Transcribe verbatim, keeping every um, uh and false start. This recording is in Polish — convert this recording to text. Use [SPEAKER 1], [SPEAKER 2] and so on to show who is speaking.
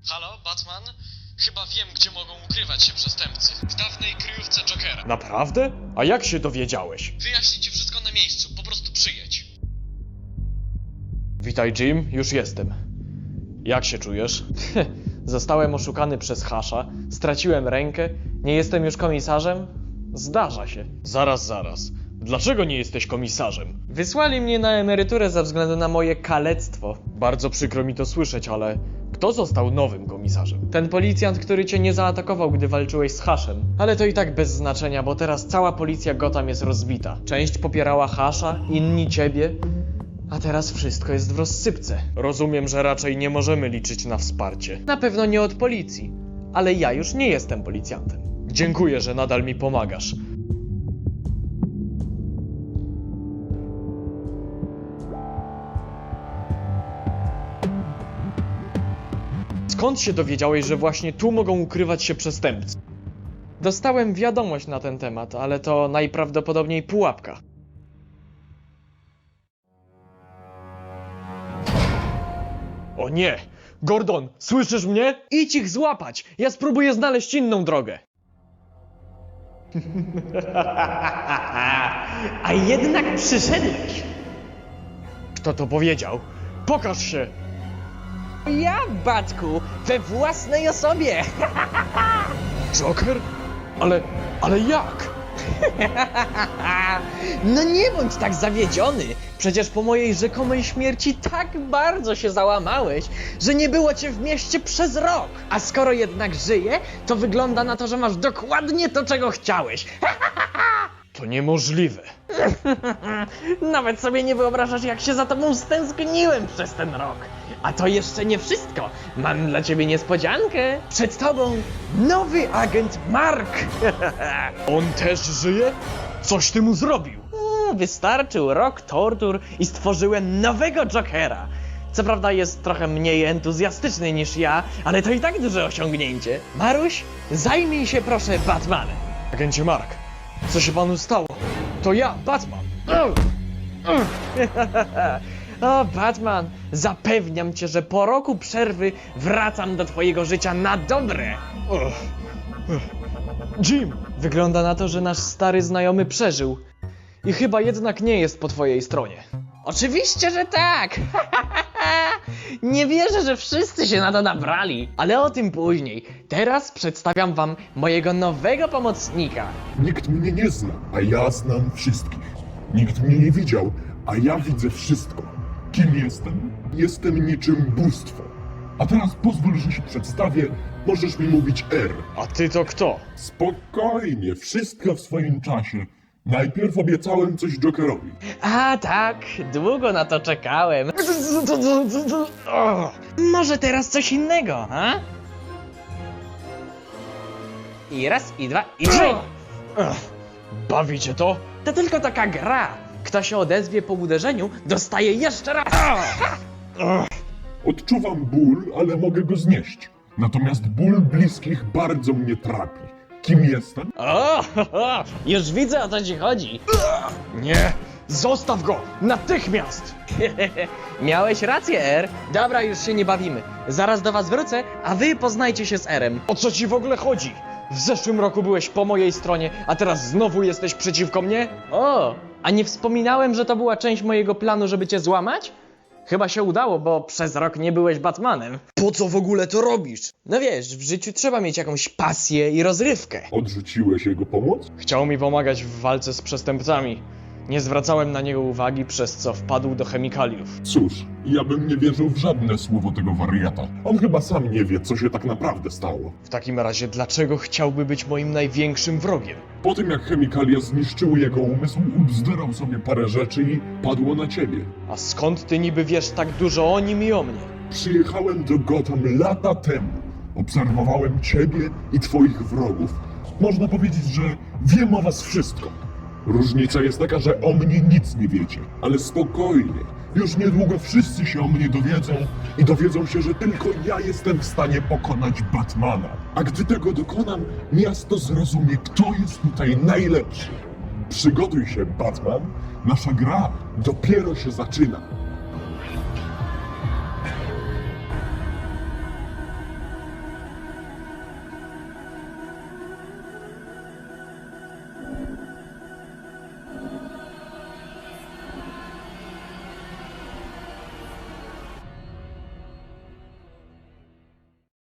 [SPEAKER 1] Halo, Batman? Chyba wiem, gdzie mogą ukrywać się przestępcy. W dawnej kryjówce Jokera.
[SPEAKER 2] Naprawdę? A jak się dowiedziałeś?
[SPEAKER 1] Wyjaśnię ci wszystko na miejscu, po prostu przyjedź.
[SPEAKER 2] Witaj, Jim, już jestem. Jak się czujesz? Zostałem oszukany przez Hasza, straciłem rękę, nie jestem już komisarzem? Zdarza się. Zaraz, zaraz. Dlaczego nie jesteś komisarzem? Wysłali mnie na emeryturę ze względu na moje kalectwo. Bardzo przykro mi to słyszeć, ale kto został nowym komisarzem? Ten policjant, który cię nie zaatakował, gdy walczyłeś z Haszem. Ale to i tak bez znaczenia, bo teraz cała policja Gotham jest rozbita. Część popierała Hasza, inni ciebie. A teraz wszystko jest w rozsypce. Rozumiem, że raczej nie możemy liczyć na wsparcie. Na pewno nie od policji. Ale ja już nie jestem policjantem. Dziękuję, że nadal mi pomagasz. Skąd się dowiedziałeś, że właśnie tu mogą ukrywać się przestępcy? Dostałem wiadomość na ten temat, ale to najprawdopodobniej pułapka. O nie! Gordon, słyszysz mnie? Idź ich złapać! Ja spróbuję znaleźć inną drogę.
[SPEAKER 3] A jednak przyszedłeś.
[SPEAKER 2] Kto to powiedział? Pokaż się!
[SPEAKER 3] Ja, Batku, we własnej osobie.
[SPEAKER 2] Joker? Ale... ale jak?
[SPEAKER 3] No nie bądź tak zawiedziony. Przecież po mojej rzekomej śmierci tak bardzo się załamałeś, że nie było cię w mieście przez rok. A skoro jednak żyję, to wygląda na to, że masz dokładnie to, czego chciałeś.
[SPEAKER 2] To niemożliwe.
[SPEAKER 3] Nawet sobie nie wyobrażasz, jak się za tobą stęskniłem przez ten rok. A to jeszcze nie wszystko. Mam dla ciebie niespodziankę. Przed tobą nowy agent Mark.
[SPEAKER 2] On też żyje? Coś ty mu zrobił?
[SPEAKER 3] Mm, Wystarczył rok tortur i stworzyłem nowego Jokera. Co prawda jest trochę mniej entuzjastyczny niż ja, ale to i tak duże osiągnięcie. Maruś, zajmij się proszę Batmanem.
[SPEAKER 2] Agencie Mark, co się panu stało? To ja, Batman.
[SPEAKER 3] O, Batman, zapewniam cię, że po roku przerwy wracam do twojego życia na dobre.
[SPEAKER 2] Jim! Wygląda na to, że nasz stary znajomy przeżył. I chyba jednak nie jest po twojej stronie.
[SPEAKER 3] Oczywiście, że tak. Nie wierzę, że wszyscy się na to nabrali. Ale o tym później. Teraz przedstawiam wam mojego nowego pomocnika.
[SPEAKER 4] Nikt mnie nie zna, a ja znam wszystkich. Nikt mnie nie widział, a ja widzę wszystko. Kim jestem? Jestem niczym bóstwo. A teraz pozwól, że się przedstawię. Możesz mi mówić R.
[SPEAKER 2] A ty to kto?
[SPEAKER 4] Spokojnie, wszystko w swoim czasie. Najpierw obiecałem coś Jokerowi.
[SPEAKER 3] A tak, długo na to czekałem. Może teraz coś innego, ha? I raz, i dwa, i trzy.
[SPEAKER 2] Bawi cię to?
[SPEAKER 3] To tylko taka gra. Kto się odezwie po uderzeniu, dostaje jeszcze raz.
[SPEAKER 4] Odczuwam ból, ale mogę go znieść. Natomiast ból bliskich bardzo mnie trapi. Kim jestem?
[SPEAKER 3] O, ho, ho, już widzę, o co ci chodzi.
[SPEAKER 2] Nie! Zostaw go! Natychmiast!
[SPEAKER 3] Miałeś rację, R. Dobra, już się nie bawimy. Zaraz do was wrócę, a wy poznajcie się z Erem.
[SPEAKER 2] O co ci w ogóle chodzi? W zeszłym roku byłeś po mojej stronie, a teraz znowu jesteś przeciwko mnie?
[SPEAKER 3] O, a nie wspominałem, że to była część mojego planu, żeby cię złamać? Chyba się udało, bo przez rok nie byłeś Batmanem.
[SPEAKER 2] Po co w ogóle to robisz?
[SPEAKER 3] No wiesz, w życiu trzeba mieć jakąś pasję i rozrywkę.
[SPEAKER 4] Odrzuciłeś jego pomoc?
[SPEAKER 2] Chciał mi pomagać w walce z przestępcami. Nie zwracałem na niego uwagi, przez co wpadł do chemikaliów.
[SPEAKER 4] Cóż, ja bym nie wierzył w żadne słowo tego wariata. On chyba sam nie wie, co się tak naprawdę stało.
[SPEAKER 2] W takim razie, dlaczego chciałby być moim największym wrogiem?
[SPEAKER 4] Po tym, jak chemikalia zniszczyły jego umysł, ubzdurał sobie parę rzeczy i padło na ciebie.
[SPEAKER 2] A skąd ty niby wiesz tak dużo o nim i o mnie?
[SPEAKER 4] Przyjechałem do Gotham lata temu. Obserwowałem ciebie i twoich wrogów. Można powiedzieć, że wiem o was wszystko. Różnica jest taka, że o mnie nic nie wiecie. Ale spokojnie, już niedługo wszyscy się o mnie dowiedzą i dowiedzą się, że tylko ja jestem w stanie pokonać Batmana. A gdy tego dokonam, miasto zrozumie, kto jest tutaj najlepszy. Przygotuj się, Batman. Nasza gra dopiero się zaczyna.